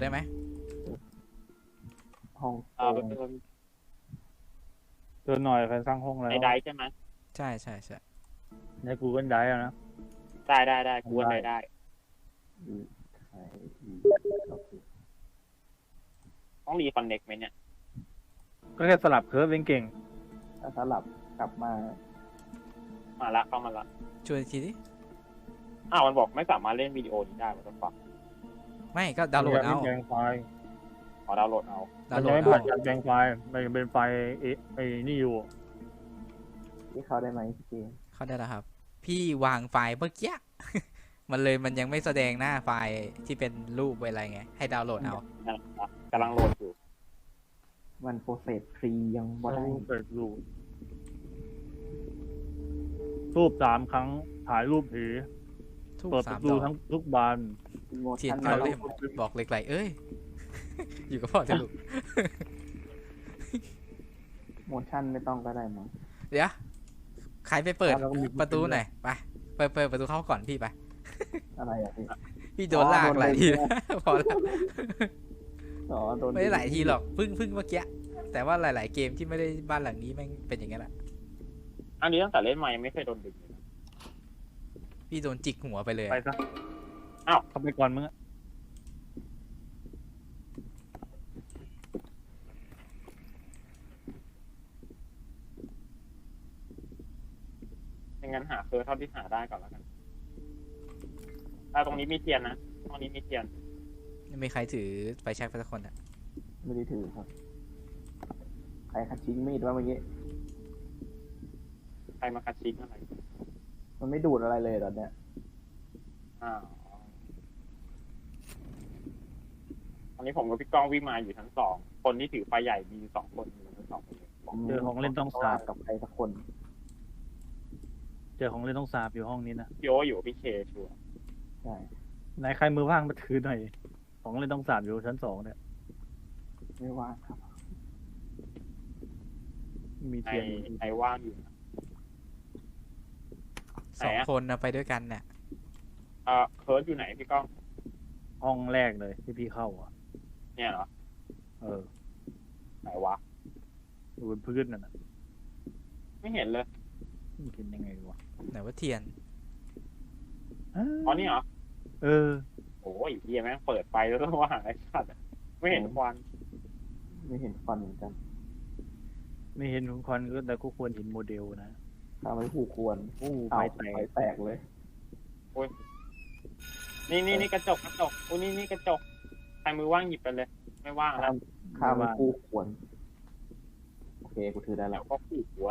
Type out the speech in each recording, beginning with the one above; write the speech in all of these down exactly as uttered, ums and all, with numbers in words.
ได้ไหมห้องเออเป็นคนเดินหน่อยใครสร้างห้องแล้วในไดใช่ไหมใช่ใช่ใช่ใน Google Drive อะนะได้ได้ได้กูว่าได้ได้อืมใช่อืมโอเคต้องรีคอนเน็กไหมเนี่ยก็แค่สลับเคิร์ฟเก่งถ้าสลับกลับมามาละเข้ามาละชวนอีกทีดิอ้าวมันบอกไม่สามารถเล่นวิดีโอนี้ได้มันต้องฟังไม่ก็ๆดาวน์โหลดเอาแปลงไฟล์ขอดาวน์โหลดเอาดาวมันน์โหลยังดไม่เอาผ่านการแปลงไฟล์มันยังเป็นไฟล์ไอ้ไอ้นี่อยู่ที่เขาได้ไหมพี่เจเข้าได้แล้วครับ พี่วางไฟล์เมื่อกี้ มันเลยมันยังไม่แสดงหน้าไฟล์ที่เป็นรูปอะไรไงให้ดาวน์โหลดเอานะครับกำลังโหลดอยู่มันโปรเซสฟรียังบ่ได้รูปเปิดรูปรูปสามครั้งถ่ายรูปผีทุกเปิดปสามระตูดอกทั้งทุกบานโมเทียนชั่นเขาไม่เล่มบอกเหล็กไหลเอ้ย อยู่กับพ่อเถอะลูกโมชั่นไม่ต้องก็ได้มั้งเดี๋ยวใครไปเปิดแล้วก็มีประตูหน่อยไปเปิดเปิดประตูเข้าก่อนพี่ไปอะไรอ่ะพี่พี่โดนลากหลายทีแล้ว พอแล้วอ๋อโดนไม่ได้หลายทีหรอกเพิ่งเพิ่งเมื่อกี้แต่ว่าหลาย ๆ เกมที่ไม่ได้บ้านหลังนี้แม่งเป็นอย่างนั้นแหละอันนี้ตั้งแต่เล่นมายังไม่เคยโดนดึงเลยนะพี่โดนจิกหัวไปเลยไปซะอ้าวเข้าไปก่อนมึงอะไม่งั้นหาเคิร์ฟเท่าที่หาได้ก่อนแล้วกันอ่าตรงนี้มีเทียนนะตรงนี้มีเทียนไม่มีใครถือไฟแช็กไปสักคนอ่ะไม่ได้ถือครับ ใครคัดชิ้งมีดว่าเมื่อกี้ใครมาคัดชิ้นอะไรมันไม่ดูดอะไรเลยตอนเนี้ยอ้าวตอนนี้ผมกับพี่ก้องวิ่งมาอยู่ชั้นสองคนที่ถือไฟใหญ่มีอยู่สองคนอยู่ชั้นสองคนเลยผมเจอของเล่นต้องสาบกับใครสักคนเจอของเล่นต้องสาบอยู่ห้องนี้นะพี่โออยู่กับพี่เคชัวร์ใช่ไหนใครมือว่างมาถือหน่อยของเล่นต้องสาบอยู่ชั้นสองเนี่ยไม่ว่างครับมีไอเทียนไอว่างอยู่นะสองไหนอะคนนะไปด้วยกันเนี่ยเอ่อเคิร์ฟอยู่ไหนพี่ก้องห้องแรกเลยที่พี่เข้าอ่ะเนี่ยเหรอเออไหนวะอยู่บนพื้นนั่นน่ะไม่เห็นเลยมันเห็นยังไงวะไหนว่าเทียนอ๋อนี่เหรอเออโอ้ยเฮียแม่งเปิดไฟแล้วต้องว่าหาไอ้สัตว์อะไม่เห็นควันไม่เห็นฟันเหมือนกันไม่เห็นของควันก็แต่ก็ควรเห็นโมเดลนะถ้าไม่ผูกควรโอ้เอาไฟแตไฟกแตกเลยนี่นี่นี่กระจกกระจกอุ้ยนี่นี่กระจกใครมือว่างหยิบไปเลย ไม่ว่างแล้ข้าว มข้ามไม่ผูกควร โอเค กูถือได้แล้แล้ว วก็ขู่หัว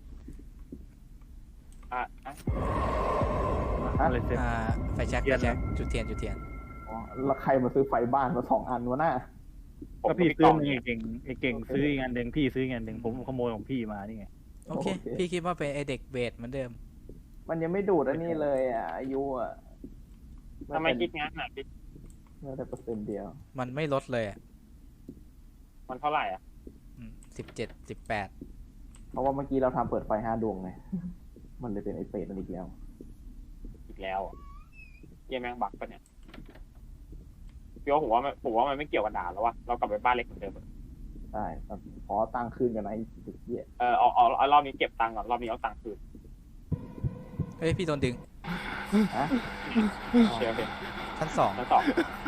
อ่ะอ่ะฮะอะไรเสร็จอ่าไฟแช็กเทีไฟยนแช็กนะจุดเทียนจุดเทียนอ๋อแล้วใครมาซื้อไฟบ้านมาสองอันวะน่ะผมก็กับพี่พี่ซื้ก้อองมาเนี่ยไอ้เก่งไอ้เก่งซื้ออีกอันหนึ่งพี่ซื้ออีกอันหนึ่งผมขโมยของพี่มานี่ไงโอเค พี่คิดว่าเป็นไอเด็กเบสเหมือนเดิมมันยังไม่ดูดอันนี้เลยอ่ะอายุอ่ะทำไมคิดงั้นอ่ะพี่เมื่อแต่เปอร์เซ็นต์เดียวมันไม่ลดเลยอ่ะมันเท่าไหร่อ่ะสิบเจ็ดสิบแปดเพราะว่าเมื่อกี้เราทำเปิดไฟห้าดวงไง มันเลยเป็นไอเปรตมันอีกแล้วอีกแล้วอ่ะเฮียแม่งบักปะเนี่ยพี่โอผมว่ามันผมว่ามันไม่เกี่ยวกับด่านแล้ววะเรากลับไปบ้านเล็กเหมือนเดิมอะใช่ขอตั้งคืนกันนะไอ้สุดเหี้ยเออเอาเอาเอารอบนี้เก็บตังค์ก่อนรอบนี้เอาตังค์คืนเฮ้ยพี่โดนดึงฮะเชียร์เป็นชั้นสองชั้นสอง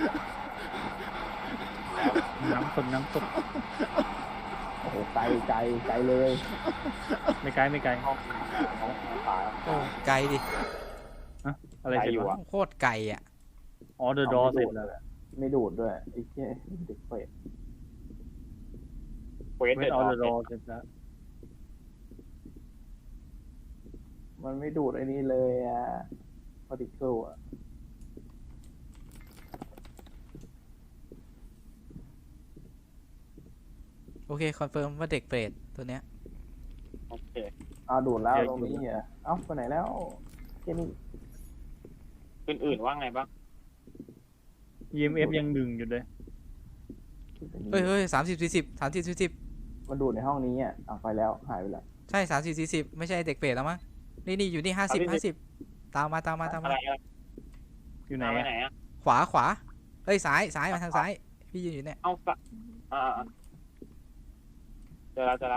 น้ำคนน้ำตกโอ้โหไกลไกลไกลเลยไม่ไกลไม่ไกลห้องห้องตายโอ้ไกลดิอะไรเสร็จไกลอยู่วะอะโคตรไกลอ่ะอ๋อเดอะดอเสร็จแล้วแหละไม่ดูดด้วยไอ้เหี้ยเด็กเปรตเควสเวเดทดอออร์เดอะดอเสร็จแล้วมันไม่ดูดไอ้นี่เลยอ่ะพาร์ติเคิลอ่ะโอเคคอนเฟิร์มว่าเด็กเบสตัวเนี้ยโอเคเอาดูดแล้วตรงนี้อ่ะเอ้าไปไหนแล้วแค่นี้อื่นๆว่าไงบ้างอี เอ็ม เอฟ ยังดึงอยู่เลยเฮ้ยเฮ้ยสามสิบสี่สิบสามสิบสี่สิบมันดูดในห้องนี้อ่ะเอาไปแล้วหายไปแล้วใช่สามสิบสี่สิบไม่ใช่เด็กเบสแล้วมั้งนี่นี่อยู่นี่ห้าสิบห้าสิบตามมาตามมาตามอะมาไรอะอยู่ไหนมาไปอะไหนอ่ะขวาขวาเฮ้ยซ้ายซ้ายมาทางซ้ายพี่ยืนอยู่เนี่ยเอาสะอ่าอ่าเจอแล้วเจอแล้ว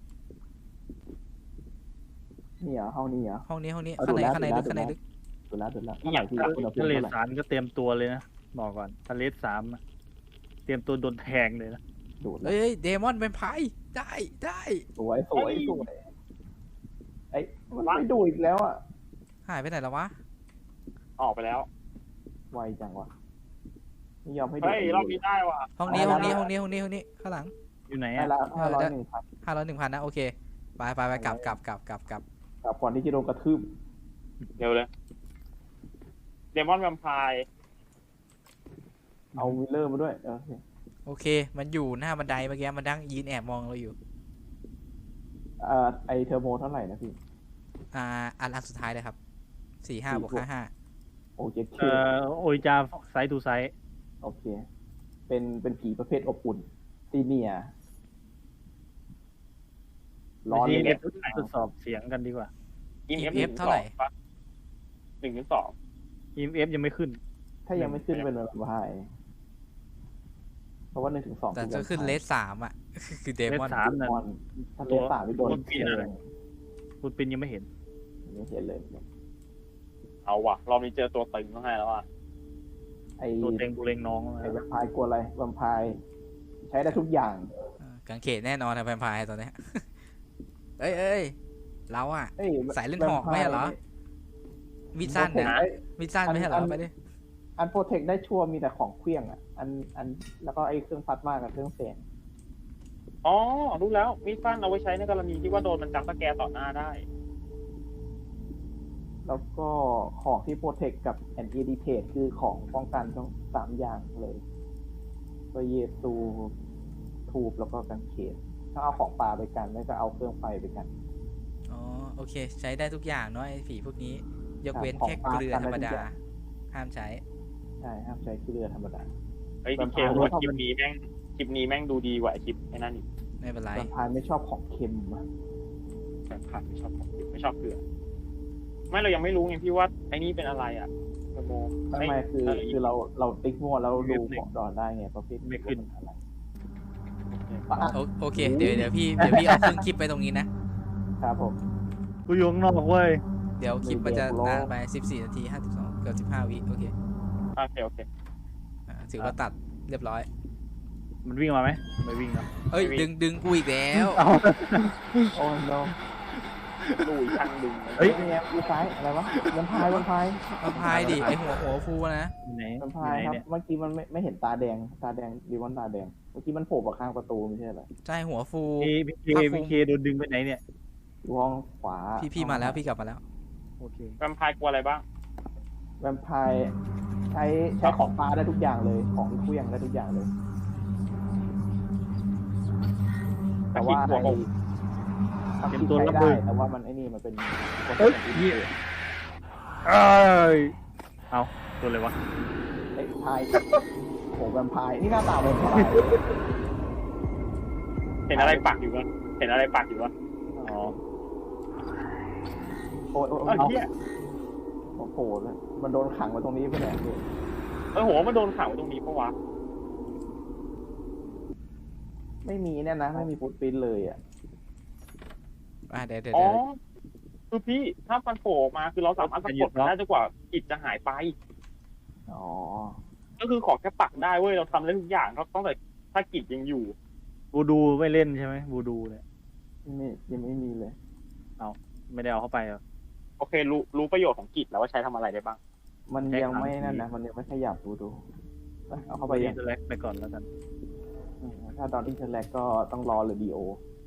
นี่เหรอห้องนี้เหรอห้องนี้ห้องนี้เอาข้างในดูแล้วข้างในดูลึกแล้วข้างในลึกดูแล้วดูแล้วนี่อยากที่รู้อุณหภูมิทะเลเท่าไหร่สามก็เตรียมตัวเลยนะบอกก่อนทะเลสามอะเตรียมตัวโดนแทงเลยนะดูดแล้วเฮ้ยเดมอนเป็นไพ่ได้ได้สวยสวยสวยไอ้มันไม่ดูดอีกแล้วอ่ะหายไปไหนแล้ววะออกไปแล้วไวจังวะไม่ยอมให้ดูเฮ้ยรอบนี้ได้ว่ะห้องนี้เอาห้องละนี้ห้องนี้ห้องนี้ห้องนี้ข้างหลังอยู่ไหนได้อะละห้าร้อยหนึ่งพันห้าร้อยหนึ่งพันนะโอเคไปไปไปกลับกลับกลับกลับกลับกับก่อนที่จะโดนกระทืบเร็วเลยเดมอนแวมไพร์เอาวิลเลอร์มาด้วยโอเคโอเค มันอยู่หน้าบันไดเมื่อกี้มันดังยืนแอบมองเราอยู่เอ่อไอเทอร์โมเท่าไหร่นะพี่อ่าอันอันสุดท้ายเลยครับสี่ห้าสี่บวกบวกห้าห้าโอเคเอ่อโอริจาไซต์ทูไซต์โอเค เป็นเป็นผีประเภทอบอุ่นซีเนียร้อนทีเลยเอเนี่ยฟทดสอบเสียงกันดีกว่าอีอีเอฟเอฟเท่าไหร่หนึ่งถึงสองอีเอฟยังไม่ขึ้นถ้ายังไม่ขึ้นเป็นแบบไฮเพราะว่าหนึ่งถึงสองแต่จะขึ้นเลสสามอ่ะ คือเดมอนเลสสามมอนถ้าเลสสามไม่โดนตัวปีนอะไร คุณปินยังไม่เห็นไม่เห็นเลยเอาว่ะรอบนี้เจอตัวตึงต้องให้แล้วอ่ะไอตัวเต็งบุเรงน้องไอแวมไพร์กลัวอะไรแวมไพร์ใช้ได้ทุกอย่างกางเขนแน่นอนนะแวมไพร์ตอนเนี้ย เอ้ยเอ้ยเราอ่ะเอ้ยสายเล่นหอกไม่ใช่เหรอ มีดสั้นเนี่ยนะมีดสั้นไม่ใช่เหรอไปดิอันโปรเทคได้ชั่วมีแต่ของเครื่องอ่ะ อันอันแล้วก็ไอเครื่องพัดมากกับเครื่องเสียงอ๋อรู้แล้วมีดสั้นเอาไว้ใช้ในกรณีที่ว่าโดนมันจับสแกร์ต่อหน้าได้แล้วก็ของที่โปรเทคกับแอนตี้ดีเพทคือของป้องกันทั้งสามอย่างเลยก็เยซูทูบแล้วก็กันเขนถ้าเอาของปลาไปกันไม่ก็เอาเครื่องไฟไปกันอ๋อโอเค ใช้ได้ทุกอย่างเนาะไอ้ผีพวกนี้ ยกเว้นของแค่ปลาเกลือกันธรรมได้ทุดากอย่างห้ามใช้ใช่ห้ามใช้เกลือธรรมดาเฮ้ยแวพีมเคไพร์ว่าชอบคลิปนี้แม่งคลิปนี้แม่งดูดีกว่าไอ้คลิปไอ้นั่นอีกไม่เป็นไรแวมไพร์ไม่ชอบของเค็มอะแบบผัดไม่ชอบของไม่ชอบเกลือไม่เรายังไม่รู้ไงพี่ว่าไอ้นี่เป็นอะไรอ่ะเทอร์โมไม่ไม่คือคือเราเราติ๊กมั่วแล้วดูของดอนได้ไงประเภทไม่ขึ้นอะไรโอโอเค เดี๋ยวเดี๋ยวพี่เดี๋ยวพี่เอาเครื่องคลิปไปตรงนี้นะครับผมกูอยู่ข้างนอกเว้ยเดี๋ยวคลิปมันจะเดี๋ยวนานไปสิบสี่นาทีห้าสิบสองเกือบสิบห้าวิโอเคโอเคโอเคอ่าถือว่าตัดเรียบร้อยมันวิ่งมาไหมไม่วิ่งเนาะเอ้ยดึงดึงกูอีกแล้วเอาโอ้โนดูอีกครั้งดึงเฮ้ยนี่ไงดูซ้ายอะไรวะแวมไพร์แวมไพร์เอาพายดิไอหัวหัวฟูนะอยู่ไหนแวมอไพยู่ร์ไหนครับเนี่ยเมื่อกี้มันไม่ไม่เห็นตาแดงตาแดงดีวอนตาแดงเมื่อกี้มันโผล่มาข้างประตูไม่ใช่เหรอใช่หัวฟูพี่พี่เคพี่เคโดนดึงไปไหนเนี่ยอยู่ห้องขวาพี่พี่มาแล้วพี่กลับมาแล้วโอเคแวมไพร์กลัวอะไรบ้างแวมไพร์ใช้ใช้ของปลาได้ทุกอย่างเลย ของเครื่องได้ทุกอย่างเลย แต่ว่าหัวไอ้ผมทำที่ใช้ได้แต่ว่ามันไอ้นี่มันเป็นเฮ้ยเหี้ย เอ้ยเอาตัวอะไรวะไอ้พายโหแวมไพร์นี่หน้าตาแวมไพร์เห็นอะไรปักอยู่วะเห็นอะไรปักอยู่วะอ๋อโอ้ยโอ้ยเอ้ยโอ้ยเหี้ยโอ้โหเลยมันโดนขังไว้ตรงนี้ไปไหนพี่เออหัวมันโดนขังไว้ตรงนี้ปะวะไม่มีเนี่ยนะไม่มีฟุตปริ้นท์เลยอ่ะอ่าเดี๋ยวเดี๋ยวอ๋อเดี๋ยวคือพี่ถ้ามันโผล่ออกมาคือเราสามารถสะกดมันได้จนกว่ากิจจะหายไปอ๋อก็คือขอแค่ปักได้เว้ยเราทำได้ทุกอย่างเราต้องแต่ถ้ากิจยังอยู่บูดูไม่เล่นใช่ไหมบูดูเนี่ยไม่ยังไม่มีเลยไม่ได้เอาเข้าไปเหรอโอเค รู้รู้ประโยชน์ของกิจแล้วว่าใช้ทำอะไรได้บ้างมันใช้ยังไม่ขังนั่นผีนะมันยังไม่ขยับดูดูไปเอาเข้าไปไปยังแลกไปก่อนแล้วกันอืมถ้าตอนอินเทอร์แลกก็ต้องรอหรือดีโอ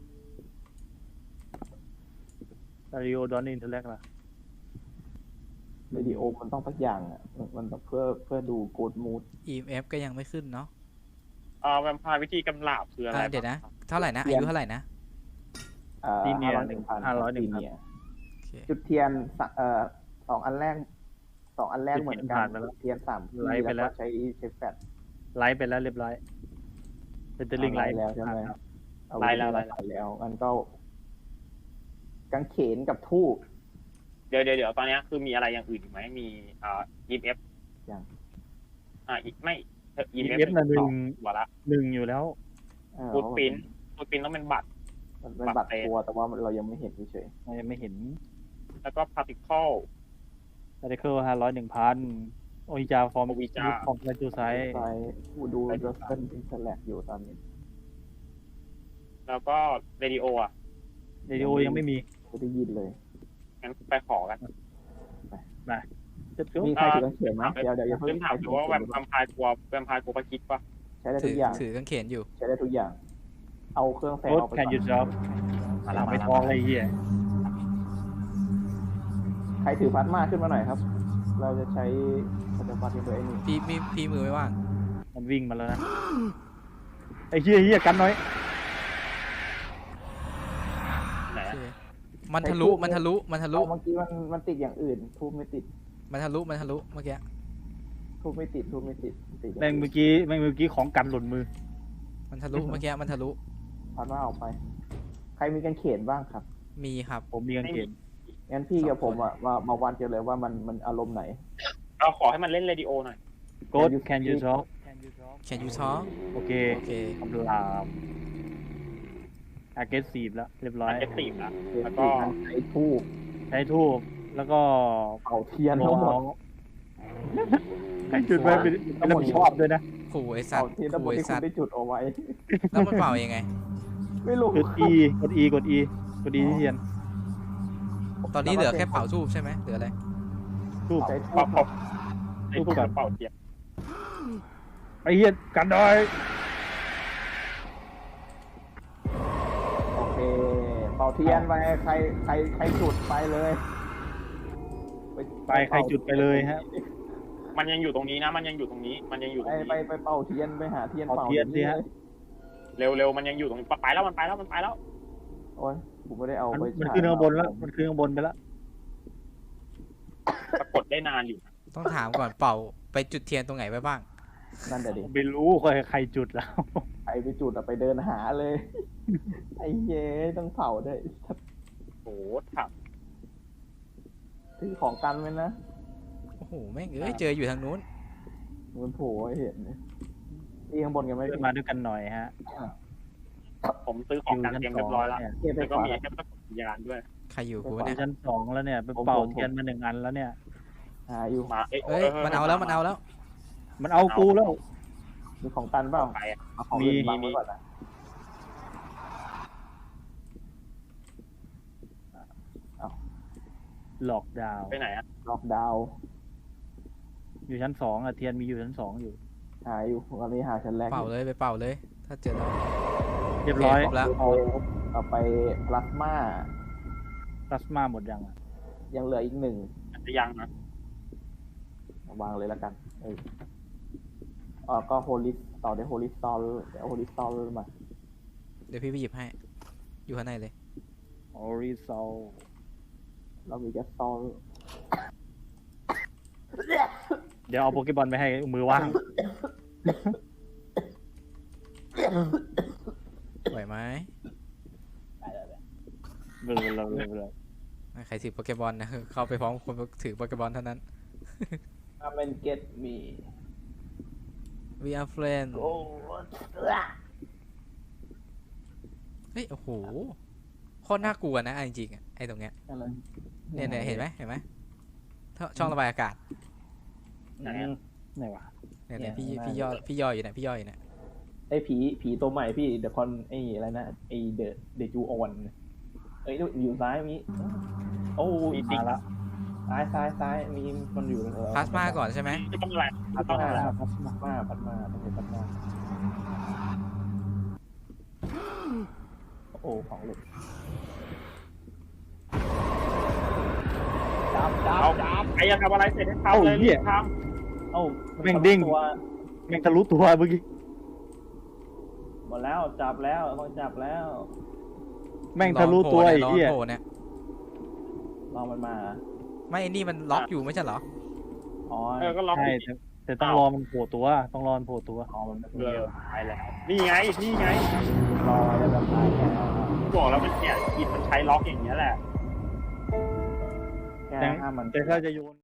ดาริโอดอนอินเทอร์แลกล่ะหรือดีโอมันต้องสักอย่างอ่ะมันมันต้องเพื่อเพื่อดูโกดมูดอีเอฟก็ยังไม่ขึ้นเนาะอ่าแวมไพร์วิธีกำลาบคืออะไรอ่าเดี๋ยวนะ เท่าไหร่นะอายุเท่าไหร่นะอ่าซีเนียห้าร้อยหนึ่งพันห้าร้อยหนึ่งพันซีเนียโอเคจุดเทียนสะเอ่อสองอันแรกสองอันแรกจุดเหมือนเทียนกัผ่าน นไปแล้วเทียนสามที่ไลฟ์ไปแล้วก็ใช้ใช้แฟลชไลฟ์ไปแล้วเรียบร้อยเป็นจะลิงไลฟ์แล้วใช่ไหมครับเอาไล่แล้วไล่ไล่แล้วแล้วมันก็กางเขนกับทูบเดี๋ยวเดี๋ยวเดี๋ยวตอนนี้คือมีอะไรอย่างอื่นอีกไหมมีอ่า อี เอฟยังอ่าอีกไม่เทอีอีเอเอฟฟน่ะหนึ่งหัวละหนึ่งอยู่แล้วเออฟูดปิ้นฟูดปิ้นต้องเป็นบัตรมันเป็นบับัตตรรเตะตัวแต่ว่าเรายังไม่เห็นเฉยเรายังไม่เห็นแล้วก็พาร์ติเคิลพาร์ติเคิลห้าร้อยหนึ่งพันโอฮิจาฟอร์มโอฮิจาฟอร์มไลจูไซๆไปผู้ดูเดอร์เซนอินเทอร์แลกอยู่ตอนนี้แล้วก็เรดิโออ่ะเรดิโอยังไม่มีไม่ได้ยินเลยงั้นไปขอกันจะจุ๊บมีใครถือกางเขนไหมเดี๋ยวเดี๋ยวอย่าเพิ่ลืงมถามดูว่าแวมแวมไพร์กลัวแวมไพร์กลัวปะคิดปะใช้ได้ถืทุอกอย่างถือกางเขนอยู่ใช้ได้ทุกอย่าง เอาเครื่องแสงรถออกไปแคนก่ยูอนจ็อบมาแล้วมาไม่แล้วท้องอะไรเหี้ยใครถือพลาสมาขึ้นมาหน่อยครับ เราจะใช้ปัจจุบันที่ตัวไอ้นี่พี่พี่พี่มือไม่ว่างมันวิ่งมาแล้วนะไอ้เหี้ยเหี้ยกันน้อยไหนโออะเคมันทะลุมันทะลุมันทะลุเอาเมื่อกี้มันมันติดอย่างอื่น ทูบไม่ติดมันทะลุมันทะลุเมื่อกี้ทูบไม่ติด ทูบไม่ติดติดอย่างแม่งอื่นเมื่อกี้แม่งเมื่อกี้ของกันหล่นมือมันทะลุเมื่อกี้มันทะลุพลาสมาออกไป ใครมีกางเขนบ้างครับมีครับผมมีกางเกงงั้นพี่กับสผองมคนอะมามาวันกันเลยว่ามันมันอารมณ์ไหนเราขอให้มันเล่นเรดิโอหน่อยโกดแคนยูจ็อบ Can you talk โอเคโอเคคำรามอาเกสซีฟแล้วเรียบร้อยเอฟซีฟนะเดี๋ยวแล้วก็พี่มันใช้ทูบใช้ทูบแล้วก็เป่าเทียนทั้งหมดให้จุดไว้เป็นเป็นรับผิดชอบด้วยนะขู่ไอสัตเป่าว์เทียนทั้งหมขู่ดไอที่คุสัณตว์ได้จุดเอาไว้แล้วมันเป่ายังไงไม่รู้กด E กด E กด E กด E ที่เทียนตอนนี้เหลือแค่เป่าทูบใช่ไหมเหลืออะไรทูบใช้ทูเป่าบเป่าไอ้ทูบกับเป่าเทียนไอ้เหี้ยกันดอยโอเค เป่าเทียนไปใครใครใครจุดไปเลยไปใครจุดไปเลยฮะมันยังอยู่ตรงนี้นะ มันยังอยู่ตรงนี้ มันยังอยู่ตไปรงไปนี้ไปเป่าเทียนไปหาเทียนเป่าเป่าเทียนสิฮะเร็วเร็วมันยังอยู่ตรงนี้ไปแล้วมันไปแล้วมันไปแล้วโอ้ยผมไม่ได้เอามันไปมันฉายขึ้นข้างบนแล้วมันขึ้นข้างบนไปแล้วปรากฏได้นานอยู่นะต้องถามก่อนเป่าไปจุดเทียนตรงไหนไว้บ้างนั่นแต่ดิไม่รู้ใครใครจุดแล้วใครไปจุดอะไปเดินหาเลย ไอ้เย้ต้องเผาด้วยโอ้โหถามถือของกันไว้นะโอ้โหแม่งเอ้ยเจออยู่ทางนู้นมันโผล่ให้เห็นนี่ข้างบนกันไหมขึ้นมาด้วยกันหน่อยฮะผมซื้อของกันเตรียมเรียบร้อยแล้วเนี่ยเก็บไปแล้วก็ก่อนมีแค่ประกฏยานด้วยใครอยู่กูอยู่เนี่ยชั้นสองแล้วเนี่ยไปเป่าเทียนมาหนึ่งอันแล้วเนี่ยหาอยู่มาเอ้ยเอ้ยมันเอาแล้วมันเอาแล้วมันเอากูแล้วมีของกันเปล่าไปอะเอาของอื่นมีบังไว้ก่อนนะหลอกดาวน์ไปไหนอะล็อกดาวน์อยู่ชั้นสองอะเทียนมีอยู่ชั้นสองอยู่หาอยู่ตอนนี้หาชั้นแรกอเป่ายู่เลยไปเป่าเลย ถ้าเจอแล้วเรียบร้อยโอเคครบแล้วเอาเอาไปพลาสมาพลาสมาหมดยังอะยังเหลืออีกหนึ่งอาจจะยังนะวางเลยแล้วกันเอออ๋อก็โฮลิสต่อด้วยโฮลิสตอลเดี๋ยวโฮลิสตอลมาเดี๋ยวพี่ไปหยิบให้ อยู่ข้างในเลยออริซอลเรามีแค่ตอลเดี๋ยวเอาโปเกบอลไปให้มือว่างไหวไหมเบลอเบลอเบลอเบลอใครถือโปเกมอนนะ เข้าไปพร้อมคนถือโปเกมอนเท่านั้นถ้ามันเก็ตมี we are friends โอ้เฮ้ย โอ้โห โคตรน่ากลัวนะเอาจริงๆอะไอ้ตรงเนี้ยอะไรเนี่ยเนี่ยเห็นไหมเห็นไหมท่อช่องระบายอากาศไหนไหนวะเนี่ยเนี่ยพี่พี่ย่อพี่ย่ออยู่เนี่ยพี่ย่ออยู่เนี่ยไอ้ผีผีตัวใหม่พี่เดอะคอนไอ้อะไรนะไอ้เดอะเดจูออนเอ้ยอยู่ซ้ายมีโอ้ยมาละซ้ายซ้ายซ้ายมีคนอยู่เออพลาสมาก่อนใช่ไหมไม่ต้องอะไรพัไม่ดต้องมาอะไรพัดมาพัดมาต้องเป็นพัดมาโอ้ของหลุดจับจับเอาจับใครจะทำอะไรเสร็จให้ทำเลยรีบทเอ้าแม่งดิ้งตัวแม่งทะลุตัวเมื่อกี้หมดแล้วจับแล้วต้องจับแล้วแม่งทะลุตัวไอ้ร้อนเหี้ยโผล่เนี่ยลองมันมาไม่ไอ้นี่มันล็อกอยู่ไม่ใช่เหรออ๋อำเออก็ล็อกใช่แต่แต่ต้องรอมันโผล่ตัว ต้องรอมันโผล่ตัวอ๋อมันเออตายแล้วนี่ไงนี่ไงรอแล้วแบบตายแค่บอกแล้วมันเนี่ยอิดมันใช้ล็อกอย่างเงี้ยแหละแค่ห้ามมันแต่ถ้าจะโยน